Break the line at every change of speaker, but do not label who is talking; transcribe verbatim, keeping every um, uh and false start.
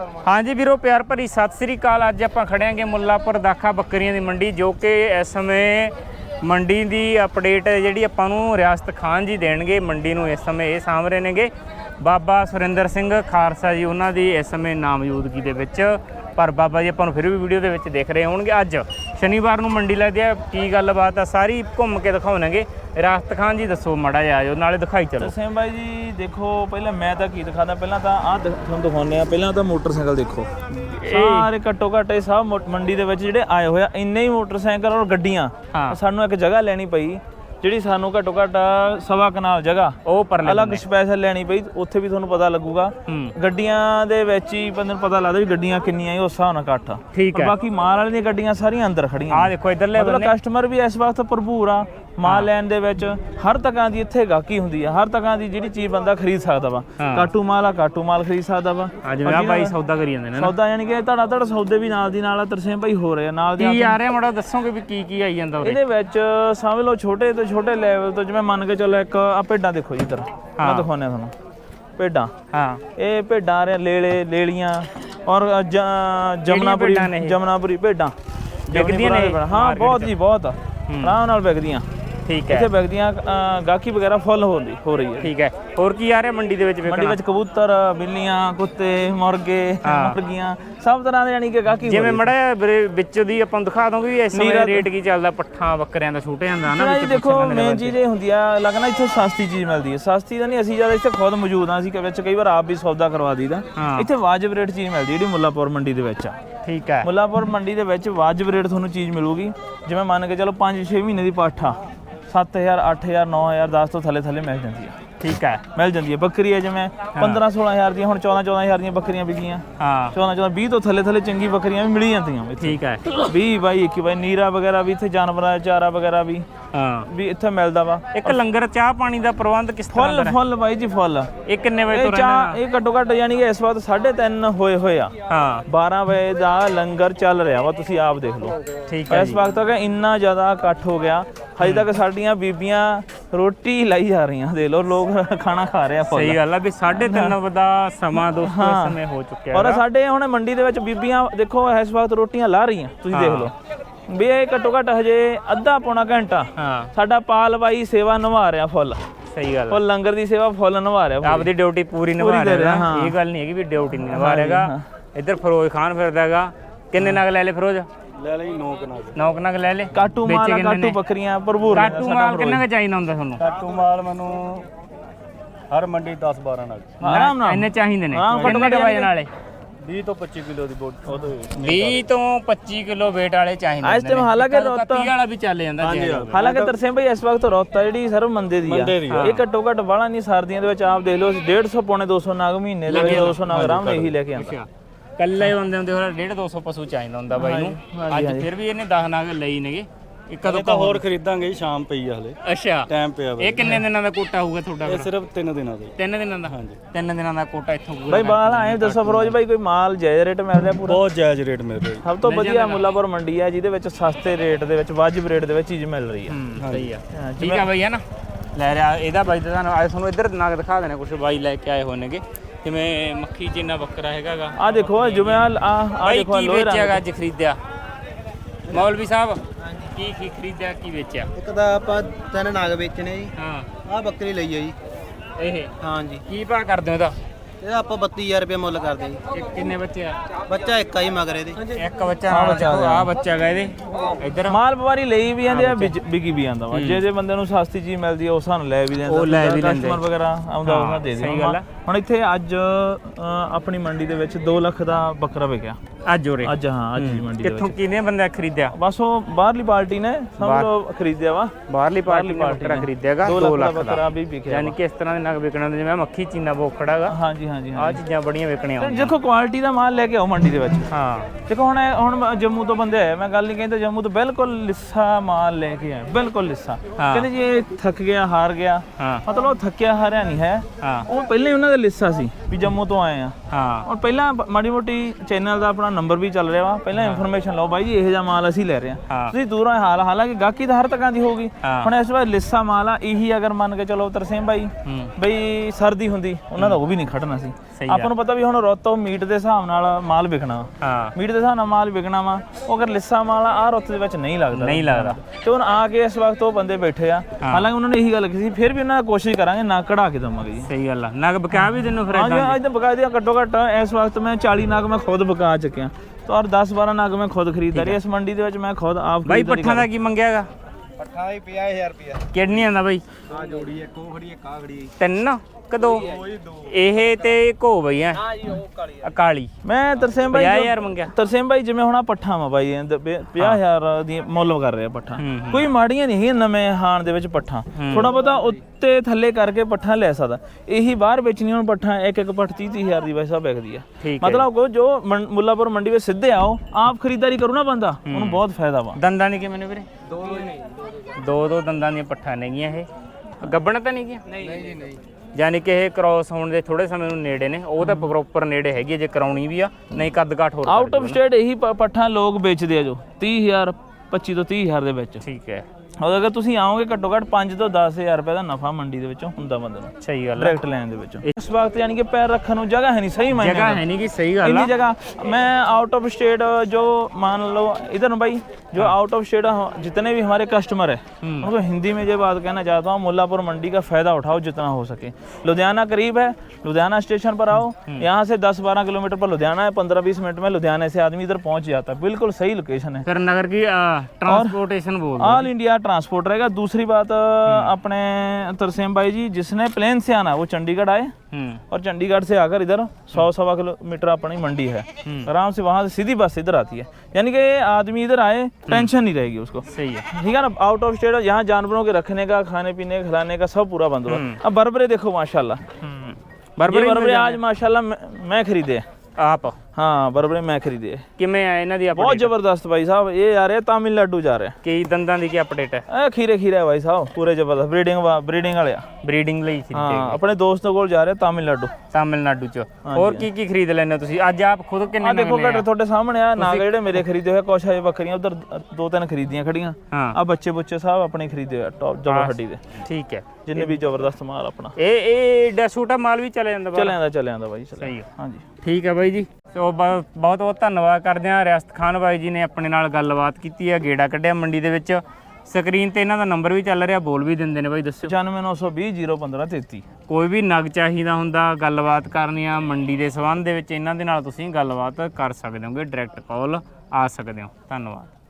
हाँ जी वीरो प्यार भरी सत श्री अकाल। अज आप खड़े हैं मुल्लापुर दाखा बकरियां की मंडी, जो कि इस समय मंडी की अपडेट जी आपां रियासत खान जी देंगे। मंडी में इस समय ये सामभ रहे ने बाबा सुरिंदर सिंह खालसा जी, उन्हों की इस समय नामजूदगी दे विच। पर बाबा जी आपां फिर भी वीडियो दे विच देख रहे होंगे। अज शनिवार को मंडी लगती है, की गलबात है सारी घूम के दिखाओगे। रियासत खान जी दसो माड़ा जिहा आजो नाले दिखाई चलो।
तरसेम भाई जी देखो, पहले मैं तो की दिखाता, पहला तो आ तुहानूं दिखाउने, पहला तो मोटरसाइकिल देखो सारे घट्टो घट्ट सब मंडी दे विच जिहड़े आए होए इन्ने ही मोटरसाइकिल और गड्डियां। हाँ। सानूं एक जगह लैनी पई ਜਿਹੜੀ ਸਾਨੂੰ ਘੱਟੋ ਘੱਟ ਸਵਾ ਕਨਾਲ ਜਗ੍ਹਾ ਉਹ ਪਰ ਅਲੱਗ ਸਪੈਸ਼ਲ ਲੈਣੀ ਪਈ। ਉੱਥੇ ਵੀ ਤੁਹਾਨੂੰ ਪਤਾ ਲੱਗੂਗਾ ਗੱਡੀਆਂ ਦੇ ਵਿੱਚ ਹੀ ਬੰਦੇ ਨੂੰ ਪਤਾ ਲੱਗਦਾ ਵੀ ਗੱਡੀਆਂ ਕਿੰਨੀਆਂ ਉਸ ਹਿਸਾਬ ਨਾਲ ਇਕੱਠ। ਠੀਕ ਹੈ। ਬਾਕੀ ਮਾਲ ਵਾਲੇ ਦੀਆਂ ਗੱਡੀਆਂ ਸਾਰੀਆਂ ਅੰਦਰ ਖੜੀਆਂ। ਆ ਦੇਖੋ ਇਧਰਲੇ ਬੰਨੇ ਕਸਟਮਰ ਵੀ ਇਸ ਵਕਤ ਭਰਪੂਰ ਆ ਮਾਲ ਲੈਣ ਦੇ ਵਿੱਚ। ਹਰ ਤਰ੍ਹਾਂ ਦੀ ਇੱਥੇ ਗਾਹਕੀ ਹੁੰਦੀ ਆ, ਹਰ ਤਰ੍ਹਾਂ ਦੀ ਜਿਹੜੀ ਚੀਜ਼ ਬੰਦਾ ਖਰੀਦ ਸਕਦਾ ਵਾ। ਕਾਟੂ ਮਾਲ ਆ, ਕਾਟੂ ਮਾਲ ਖਰੀਦ ਸਕਦਾ ਵਾ। ਜਿਵੇਂ ਆ ਬਾਈ ਸੌਦਾ ਕਰੀ ਜਾਂਦੇ ਨੇ ਸੌਦਾ, ਯਾਨੀ ਕਿ ਧੜਾ ਧੜ ਸੌਦੇ ਵੀ ਨਾਲ ਦੀ ਨਾਲ ਆ। ਤਰਸੇਮ ਭਾਈ ਹੋ ਰਹੇ ਆ ਨਾਲ ਦੀ। ਕੀ ਆ ਰਿਹਾ ਮਾੜਾ ਦੱਸੋਗੇ ਵੀ ਕੀ ਕੀ ਆਈ ਜਾਂਦਾ ਇਹਦੇ ਵਿੱਚ? ਸਮਝ ਲਓ ਛੋਟੇ ਤੋਂ ਛੋਟੇ ਲੈਵਲ ਤੋਂ, ਜਿਵੇਂ ਮੰਨ ਕੇ ਚੱਲੋ ਇੱਕ ਆ ਭੇਡਾਂ ਦੇਖੋ ਜੀ, ਇੱਧਰ ਮੈਂ ਦਿਖਾਉਂਦਾ ਤੁਹਾਨੂੰ ਭੇਡਾਂ। ਹਾਂ, ਇਹ ਭੇਡਾਂ ਆ ਰਹੀਆਂ ਲੇਲੇ ਲੇਲੀਆਂ ਔਰ ਜਮਨਾਪੁਰੀ ਜਮਨਾਪੁਰੀ ਭੇਡਾਂ ਵਿਕਦੀਆਂ ਨੇ। ਹਾਂ ਬਹੁਤ ਜੀ ਬਹੁਤ ਆਰਾਮ ਨਾਲ ਵਿਕਦੀਆਂ। ठीक है। इत्थे विकदियां गाहकी वगैरह फुल हो रही हो रही है। ठीक है। और की आ रहा मंडी दे विच? मंडी विच कबूतर, बिल्लियां, कुत्ते, मुर्गे, मुर्गियां सब तरह दे, यानी कि गाहकी जिवें मड़ा विच दी आपां दिखा दोगे भी इस समय रेट की चलदा पट्ठा बकरियां दा छूटे जांदा ना विच। देखो मेन चीज़ ये हुंदी आ लगना इत्थे सस्ती चीज़ मिलदी है। सस्ती तां नहीं, असीं ज्यादा इत्थे खुद मौजूद हां, असीं विच कई बार आप भी सौदा करवा दीदा। इत्थे वाजिब रेट चीज़ मिलदी जिहड़ी मुल्लापुर मंडी दे विच आ। ठीक है। मुल्लापुर मंडी दे विच वाजिब रेट तुहानूं चीज़ मिलूगी। जिवें मान के चलो पाँच छे महीने दी पाठा सत्त हज़ार अठ हज़ार नौ हज़ार दस तो थले थले मिल जाती है। ठीक है। मिल जाती है। बकरी है जिवें पंद्रह सोलह हज़ार दी, हुण चौदह चौदह हज़ार दी बकरियां बिकियां। हाँ, चौदह चौदह बीस तो थले थले चंगी बकरियां भी मिल जाती। ठीक है। बीस बाई इक्की बाई नीरा वगैरह भी इत्थे जानवरां दा चारा वगैरह भी हाँ भी इत्थे मिलदा वा। एक लंगर चाह पानी दा प्रबंध किस तरह दा? फुल फुल बाई जी फुल। ये किन्ने बजे तो रहना? ये घट्टो घट्ट यानी कि इस वक्त साढ़े तीन होए होए आ। हाँ, बारह बजे दा लंगर चल रहा वा, तुसीं आप देख लो। ठीक है। इस वक्त तक इन्ना ज़्यादा इकट्ठ हो गया, हजे तक साडियां बीबियां रोटी लाई जा रही हैं। देख लो लोग खाना खा रहे हैं। सही गल है भी साढ़े तीन दा समा दोस्तों इस समय हो चुका है। और साडे हुण मंडी दे विच बीबियां देखो इस वक्त रोटियां ला रही हैं, तुसीं देख लो भी ये घट्टो घट्ट हजे अद्धा पौना घंटा साडा पाल बाई सेवा निभा रहा फुल। सही गल। और लंगर दी सेवा फुल निभा रहा, आपदी ड्यूटी पूरी निभा रहा। ये गल नहीं है कि ड्यूटी नहीं निभा रहेगा। इधर फिरोज खान फिरदा हैगा। किन्ने नग ले ले फिरोज? ले ले नौ कनाग। नौ कनाग ले ले। काटू माल, काटू बकरियां भरपूर। काटू माल किन्ना क चाहिदा हुंदा तुहानूं? काटू माल मैनूं हर मंडी दस बारह नग आराम नाल इन्ने चाहिदे ने। किन्ने क वजन वाले? बीस तो पच्चीस किलो दी बोट ओदे बीस तो पच्चीस किलो वेट वाले चाहिए इस टाइम। हालांकि रोता वाला भी चल जांदा जी। हालांकि तरसेम भाई इस वक्त रोता जिहड़ी सर्व मंदे दी आ, ये घट्टो घट्ट वाला नहीं सर्दियां दे विच आप देख लो डेढ़ सौ पौने दो सौ नाग महीने दे दो सौ नाग आराम नाल यही लेके आंदा। कल्ले बंदे हुंदे होर डेढ़ दो सौ पशु चाहिदा हुंदा बाई नूं। अज फिर भी इहने दस नाग लई नेगे। कदों तो होर खरीदांगे शाम पई आ हले। अच्छा टाइम पिया वा। ਇਹ ਕਿੰਨੇ ਦਿਨਾਂ ਦਾ ਕੋਟਾ ਹੋਊਗਾ ਤੁਹਾਡਾ? ਇਹ ਸਿਰਫ ਤਿੰਨ ਦਿਨਾਂ ਦਾ। ਤਿੰਨ ਦਿਨਾਂ ਦਾ? ਹਾਂਜੀ ਤਿੰਨ ਦਿਨਾਂ ਦਾ ਕੋਟਾ ਇੱਥੋਂ ਪੂਰਾ। ਬਾਈ ਬਾਲ ਆਏ ਦੱਸੋ ਫਿਰੋਜ਼ ਬਾਈ, ਕੋਈ ਮਾਲ ਜਾਇਜ਼ ਰੇਟ ਮਿਲ ਰਿਹਾ? ਪੂਰਾ ਬਹੁਤ ਜਾਇਜ਼ ਰੇਟ ਮਿਲ ਰਿਹਾ। ਸਭ ਤੋਂ ਵਧੀਆ ਮੁੱਲਾਪੁਰ ਮੰਡੀ ਹੈ ਜਿਹਦੇ ਵਿੱਚ ਸਸਤੇ ਰੇਟ ਦੇ ਵਿੱਚ ਵਾਜਿਬ ਰੇਟ ਦੇ ਵਿੱਚ ਚੀਜ਼ ਮਿਲ ਰਹੀ ਹੈ। ਸਹੀ ਆ। ਠੀਕ ਆ ਬਾਈ ਹੈ ਨਾ। ਲੈ ਰਿਹਾ ਇਹਦਾ ਬਾਈ ਤਾਂ ਤੁਹਾਨੂੰ ਅੱਜ ਤੁਹਾਨੂੰ ਇੱਧਰ ਨਗ ਦਿਖਾ ਦੇਣਾ ਕੁਝ ਬਾਈ ਲੈ ਕੇ ਆਏ ਹੋਣਗੇ। ਜਿਵੇਂ ਮੱਖੀ ਚੀਨਾ ਬੱਕਰਾ ਹੈਗਾਗਾ ਆ ਦੇਖੋ। ਜਿਵੇਂ ਆ ਆ ਦੇਖੋ ਕੀ ਵੇਚਿਆਗਾ ਅੱਜ ਖਰੀਦਿਆ ਮੌਲਵੀ ਸਾਹਿਬ? ਕੀ ਕੀ ਖਰੀਦਿਆ ਕੀ ਵੇਚਿਆ? ਇੱਕ ਤਾਂ ਆਪਾਂ ਤਿੰਨ ਨਾਗ ਵੇਚਣੇ ਜੀ। ਹਾਂ, ਆਹ ਬੱਕਰੀ ਲਈ ਹੈ ਜੀ ਇਹ। ਹਾਂ ਜੀ। ਕੀ ਭਾਅ ਕਰਦੇ ਹੋ ਇਹਦਾ? ਇਹਦਾ ਆਪਾਂ ਬੱਤੀ ਹਜ਼ਾਰ ਰੁਪਏ ਮੁੱਲ ਕਰਦੇ ਜੀ। ਕਿੰਨੇ ਬੱਚੇ ਆ? ਬੱਚਾ ਇੱਕ ਆ ਜੀ ਮਗਰ ਇਹਦੇ। ਇੱਕ ਬੱਚਾ ਨਾਲ ਆ ਬੱਚਾ ਹੈਗਾ ਇਹਦੇ। ਇੱਧਰ ਮਾਲ ਵਪਾਰੀ ਲਈ ਵੀ ਜਾਂਦੇ ਆ, ਵਿਕੀ ਵੀ ਜਾਂਦਾ ਵਾ। ਜੇ ਜੇ ਬੰਦੇ ਨੂੰ ਸਸਤੀ ਚੀਜ਼ ਮਿਲਦੀ ਆ ਉਸ ਸਾਨੂੰ ਲੈ ਵੀ ਲੈਂਦਾ। ਉਹ ਲੈ ਵੀ ਲੈਂਦੇ ਕਸਟਮਰ ਵਗੈਰਾ ਆਉਂਦਾ ਉਹਨਾਂ ਦੇ ਦੇ। ਹੁਣ ਇੱਥੇ ਅੱਜ ਆਪਣੀ ਮੰਡੀ ਦੇ ਵਿੱਚ ਦੋ ਲੱਖ ਦਾ ਬੱਕਰਾ ਵਿਕਿਆ ਅੱਜ ਉਰੇ। ਅੱਜ ਹਾਂ ਅੱਜ ਦੀ ਮੰਡੀ ਦੇ ਵਿੱਚ। ਕਿੱਥੋਂ ਕਿੰਨੇ ਬੰਦੇ ਖਰੀਦਿਆ? ਬਸ ਉਹ ਬਾਹਰਲੀ ਪਾਰਟੀ ਨੇ ਸਮਝ ਲਓ ਖਰੀਦਿਆ ਵਾ। ਬਾਹਰਲੀ ਪਾਰਟੀ ਨੇ ਬੱਕਰਾ ਖਰੀਦਿਆਗਾ ਦੋ ਲੱਖ ਦਾ ਬੱਕਰਾ ਵੀ ਵਿਕਿਆ। ਯਾਨੀ ਕਿ ਇਸ ਤਰ੍ਹਾਂ ਦੇ ਨਗ ਵਿਕਣਾ ਜਿਵੇਂ ਮੱਖੀ ਚੀਨਾ ਬੋਖੜਾ ਹੈਗਾ। ਹਾਂਜੀ ਹਾਂਜੀ ਆ ਚੀਜ਼ਾਂ ਬੜੀਆਂ ਵਿਕਣੀਆਂ। ਦੇਖੋ ਕੁਆਲਿਟੀ ਦਾ ਮਾਲ ਲੈ ਕੇ ਆਓ ਮੰਡੀ ਦੇ ਵਿੱਚ। ਹਾਂ ਦੇਖੋ ਹੁਣ ਹੁਣ ਜੰਮੂ ਤੋਂ ਬੰਦੇ ਆਏ, ਮੈਂ ਗੱਲ ਨਹੀਂ ਕਹਿੰਦਾ ਜੰਮੂ ਤੋਂ ਬਿਲਕੁਲ ਲਿੱਸਾ ਮਾਲ ਲੈ ਕੇ ਆਏ, ਬਿਲਕੁਲ ਲਿੱਸਾ। ਕਹਿੰਦੇ ਜੀ ਇਹ ਥੱਕ ਗਿਆ ਹਾਰ ਗਿਆ, ਮਤਲਬ ਉਹ ਥੱਕਿਆ ਹਾਰਿਆ ਨਹੀਂ ਹੈ। ਉਹ ਪਹਿਲਾਂ ਹੀ ਉਹਨਾਂ ਦਾ ਲਿੱਸਾ ਸੀ ਵੀ ਜੰਮੂ ਤੋਂ ਆਏ ਆ। ਹਾਂ ਹੁਣ ਪਹਿਲਾਂ ਮਾੜੀ ਮੋਟੀ ਚੈਨਲ ਦਾ ਆਪਣਾ ਨੰਬਰ ਵੀ ਚੱਲ ਰਿਹਾ ਵਾ, ਪਹਿਲਾਂ ਇਨਫੋਰਮੇਸ਼ਨ ਲਓ ਬਾਈ ਜੀ ਇਹੋ ਜਿਹਾ ਮਾਲ ਅਸੀਂ ਲੈ ਰਹੇ ਹਾਂ। ਤੁਸੀਂ ਦੂਰੋਂ ਹਾਲ ਹਾਲਾਂਕਿ ਗਾਹਕੀ ਤਾਂ ਹਰ ਤਰ੍ਹਾਂ ਦੀ ਹੋਊਗੀ। ਹੁਣ ਇਸ ਵਾਰ ਲਿੱਸਾ ਮਾਲ ਆ ਇਹੀ, ਅਗਰ ਮੰਨ ਕੇ ਚਲੋ ਤਰਸੇਮ ਬਾਈ ਬਈ ਸਰਦੀ ਹੁੰਦੀ ਉਹਨਾਂ ਦਾ ਉਹ ਵੀ ਨਹੀਂ ਖੜਨਾ ਸੀ। ਆਪਾਂ ਨੂੰ ਪਤਾ ਵੀ ਹੁਣ ਰੁੱਤ ਉਹ ਮੀਟ ਦੇ ਹਿਸਾਬ ਨਾਲ ਮਾਲ ਵਿਕਣਾ,
ਹਾਂ
ਮੀਟ ਦੇ ਹਿਸਾਬ ਨਾਲ ਮਾਲ ਵਿਕਣਾ ਵਾ। ਉਹ ਅਗਰ ਲਿੱਸਾ ਮਾਲ ਆ ਰੁੱਤ ਦੇ ਵਿੱਚ ਨਹੀਂ ਲੱਗਦਾ
ਨਹੀਂ ਲੱਗਦਾ।
ਤੇ ਹੁਣ ਆ ਕੇ ਇਸ ਵਕਤ ਉਹ ਬੰਦੇ ਬੈਠੇ ਆ, ਹਾਲਾਂਕਿ ਉਹਨਾਂ ਨੇ ਇਹੀ ਗੱਲ ਕੀਤੀ ਫਿਰ ਵੀ ਉਹਨਾਂ ਨੇ ਕੋਸ਼ਿਸ਼ ਕਰਾਂਗੇ ਨਾ ਕਢਾ ਕੇ ਦਵਾਂਗੇ ਜੀ।
ਸਹੀ ਗੱਲ ਆ, ਨਗ ਬਕਾ ਵੀ ਤੈਨੂੰ ਫਿਰ
ਹਾਂਜੀ ਅੱਜ ਤਾਂ ਬਕਾ ਦਿਆ ਘੱਟੋ ਘੱਟ ਇਸ ਵਕਤ ਮੈਂ ਚਾਲੀ ਨਗ ਮੈਂ ਖੁਦ ਬਕਾ ਚੁੱਕਿਆ ਤੇ ਔਰ ਦਸ ਬਾਰਾਂ ਨਗ ਮੈਂ ਖੁਦ ਖਰੀਦਦਾ ਰਿਹਾ ਇਸ ਮੰਡੀ ਦੇ ਵਿੱਚ। ਮੈਂ ਖੁਦ ਆਪ
ਬਾਈ ਪੱਠਾਂ ਦਾ ਕੀ ਮੰਗਿਆਗਾ?
ਪੱਠਾ ਹੀ ਪੰਜਾਹ ਹਜ਼ਾਰ ਰੁਪਿਆ
ਕਿੰਨੀਆਂ ਦਾ ਬਾਈ?
ਆ ਜੋੜੀ ਇੱਕ ਉਹ ਖੜੀ ਇੱਕ ਆ ਖੜੀ।
ਤਿੰਨ ਕਦੋਂ ਇਹ ਤੇ ਘੋ ਬਈ ਆ?
ਹਾਂ ਜੀ ਉਹ ਕਾਲੀ
ਅਕਾਲੀ।
ਮੈਂ ਤਰਸੇਮ ਬਾਈ
ਪੰਜਾਹ ਹਜ਼ਾਰ ਮੰਗਿਆ।
ਤਰਸੇਮ ਬਾਈ ਜਿਵੇਂ ਹੁਣ ਆ ਪੱਠਾ ਵਾ ਬਾਈ ਪੰਜਾਹ ਹਜ਼ਾਰ ਦੀ ਮੁੱਲ ਕਰ ਰਿਹਾ ਪੱਠਾ, ਕੋਈ ਮਾੜੀਆਂ ਨਹੀਂ ਹੈਗੀਆਂ ਨਵੇਂ ਹਾਣ ਦੇ ਵਿੱਚ ਪੱਠਾ, ਥੋੜਾ ਬਹੁਤਾ ਉੱਤੇ ਥੱਲੇ ਕਰਕੇ ਪੱਠਾ ਲੈ ਸਕਦਾ। ਇਹੀ ਬਾਹਰ ਵੇਚਣੀ ਹੁਣ ਪੱਠਾ ਇੱਕ ਇੱਕ ਪੱਠ ਤੀਹ ਤੀਹ ਹਜ਼ਾਰ ਦੀ ਵੈਸਾ ਵਿਕਦੀ ਆ। ਮਤਲਬ ਕੋ ਜੋ ਮੁੱਲਾਪੁਰ ਮੰਡੀ ਵਿੱਚ ਸਿੱਧੇ ਆਓ ਆਪ ਖਰੀਦਦਾਰੀ ਕਰੂ ਨਾ ਬੰਦਾ ਉਹਨੂੰ ਬਹੁਤ ਫਾਇਦਾ ਵਾ।
ਦੰਦਾਂ ਦੀ ਕਿਵੇਂ ਨੇ ਵੀਰੇ?
ਦੋ ਨਹੀਂ
ਦੋ ਦੋ ਦੰਦਾਂ ਦੀਆਂ ਪੱਠਾਂ ਨੇਗੀਆਂ ਇਹ, ਗੱਬਣ ਤਾਂ ਨਹੀਂ ਗੀਆਂ?
ਨਹੀਂ ਜੀ ਨਹੀਂ।
ਯਾਨੀ ਕਿ ਇਹ ਕ੍ਰਾਸ ਹੋਣ ਦੇ ਥੋੜੇ ਸਮੇਂ ਨੂੰ ਨੇੜੇ ਨੇ, ਉਹ ਤਾਂ ਪ੍ਰੋਪਰ ਨੇੜੇ ਹੈਗੀ ਜੇ ਕਰਾਉਣੀ ਵੀ ਆ, ਨਹੀਂ ਕੱਦ ਘਾਟ ਹੋਰ
ਆਊਟ ਆਫ ਸਟੇਟ ਇਹੀ ਪੱਠਾਂ ਲੋਕ ਵੇਚਦੇ ਆ ਜੋ ਤੀਹ ਹਜ਼ਾਰ ਪੱਚੀ ਤੋਂ ਤੀਹ ਹਜ਼ਾਰ ਦੇ ਵਿੱਚ।
ਠੀਕ ਹੈ।
ਔਰ ਅਗਰ ਤੁਸੀਂ ਆਓਗੇ ਘੱਟੋ ਘੱਟ ਪੰਜ ਤੋਂ ਦਸ ਹਜ਼ਾਰ ਰੁਪਏ ਦਾ ਨਫਾ ਮੰਡੀ ਦੇ ਵਿੱਚੋਂ ਹੁੰਦਾ ਬੰਦੇ ਨੂੰ।
ਸਹੀ ਗੱਲ ਹੈ।
ਡਾਇਰੈਕਟ ਲੈਣ ਦੇ ਵਿੱਚੋਂ ਇਸ ਵਕਤ ਯਾਨੀ ਕਿ ਪੈਰ ਰੱਖਣ ਨੂੰ ਜਗ੍ਹਾ ਹੈ ਨਹੀਂ, ਸਹੀ ਮਾਇਨੇ
ਜਗ੍ਹਾ ਹੈ ਨਹੀਂ ਕਿ ਸਹੀ ਗੱਲ
ਇੰਨੀ
ਆ।
जगह मैं आउट ऑफ स्टेट जो मान लो इधर भाई जो आउट ऑफ स्टेट जितने भी हमारे कस्टमर है उनको हिंदी में ये बात कहना चाहता हूँ, मुल्लापुर मंडी का फायदा उठाओ जितना हो सके। लुधियाना करीब है, लुधियाना स्टेशन पर आओ, यहाँ से दस बारह किलोमीटर पर लुधियाना है, पंद्रह बीस मिनट में लुधियाने से आदमी इधर पहुँच जाता है। बिल्कुल सही लोकेशन है।
फिर नगर की ट्रांसपोर्टेशन बोल
ऑल इंडिया ट्रांसपोर्ट रहेगा। दूसरी बात अपने तरसेम भाई जी जिसने प्लेन से आना वो चंडीगढ़ आए और चंडीगढ़ से आकर इधर सौ सवा किलोमीटर अपनी मंडी है, आराम से वहाँ से सीधी बस इधर आती है। यानी कि आदमी इधर आए टेंशन नहीं रहेगी उसको।
सही है।
ठीक है ना। आउट ऑफ स्टेट यहाँ जानवरों के रखने का, खाने पीने खिलाने का सब पूरा बंदोबस्त। अब बरबरे देखो माशाल्लाह, बरबरे बरबरे आज माशाल्लाह मैं खरीदे
आप?
हाँ बरबरे मैं खरीदे।
किमें आए इन्हां दी अपडेट?
बहुत जबरदस्त भाई साहब, ये आ रहे तमिलनाडु जा रहे हैं।
की दंदां दी की अपडेट है?
ए खीरे खीरे है भाई साहब, पूरे जबरदस्त ब्रीडिंग ब्रीडिंग वाले
ब्रीडिंग ਲਈ ਸੀ।
हाँ अपने दोस्तों ਕੋਲ ਜਾ ਰਹੇ ਤਮਿਲਨਾਡੂ।
ਤਮਿਲਨਾਡੂ ਚ ਹੋਰ ਕੀ ਕੀ ਖਰੀਦ ਲੈਣੇ ਤੁਸੀਂ ਅੱਜ ਆਪ ਖੁਦ? ਕਿੰਨੇ
ਆ ਦੇਖੋ ਘੱਟ ਤੁਹਾਡੇ ਸਾਹਮਣੇ ਆ ਨਾਗ ਜਿਹੜੇ ਮੇਰੇ ਖਰੀਦੇ ਹੋਏ, ਕੁਛ ਹਜੇ ਬੱਕਰੀਆਂ ਉਧਰ ਦੋ ਤਿੰਨ ਖਰੀਦੀਆਂ ਖੜੀਆਂ ਆ, ਬੱਚੇ ਬੁੱਚੇ ਸਾਹਿਬ ਆਪਣੇ ਖਰੀਦੇ ਹੋਏ ਟੌਪ ਜਬਰ ਹੱਡੀ ਦੇ।
ਠੀਕ ਹੈ।
ਜਿੰਨੇ ਵੀ ਜ਼ਬਰਦਸਤ ਮਾਲ ਆਪਣਾ
ਇਹ ਇਹ ਡੈਸੂਟਾ ਮਾਲ ਵੀ ਚੱਲ ਜਾਂਦਾ?
ਚੱਲ ਜਾਂਦਾ ਚੱਲ ਜਾਂਦਾ ਬਾਈ।
ਸਹੀ ਹੈ।
ਹਾਂਜੀ
ਠੀਕ ਹੈ ਬਾਈ ਜੀ। ਸੋ ਬਹੁਤ ਬਹੁਤ ਧੰਨਵਾਦ ਕਰਦੇ ਹਾਂ। ਰਿਆਸਤ ਖਾਨ ਬਾਈ ਜੀ ਨੇ ਆਪਣੇ ਨਾਲ ਗੱਲਬਾਤ ਕੀਤੀ ਹੈ, ਗੇੜਾ ਕੱਢਿਆ ਮੰਡੀ ਦੇ ਵਿੱਚ। ਸਕਰੀਨ ਤੇ ਇਹਨਾਂ ਦਾ ਨੰਬਰ ਵੀ ਚੱਲ ਰਿਹਾ, ਬੋਲ ਵੀ ਦਿੰਦੇ ਨੇ ਬਾਈ, ਦੱਸਿਓ।
ਪਚਾਨਵੇਂ ਨੌ ਸੌ ਵੀਹ ਜ਼ੀਰੋ ਪੰਦਰਾਂ ਤੇਤੀ।
ਕੋਈ ਵੀ ਨਗ ਚਾਹੀਦਾ ਹੁੰਦਾ, ਗੱਲਬਾਤ ਕਰਨੀ ਆ ਮੰਡੀ ਦੇ ਸੰਬੰਧ ਦੇ ਵਿੱਚ, ਇਹਨਾਂ ਦੇ ਨਾਲ ਤੁਸੀਂ ਗੱਲਬਾਤ ਕਰ ਸਕਦੇ ਹੋਗੇ, ਡਾਇਰੈਕਟ ਕਾਲ ਆ ਸਕਦੇ ਹੋ। ਧੰਨਵਾਦ।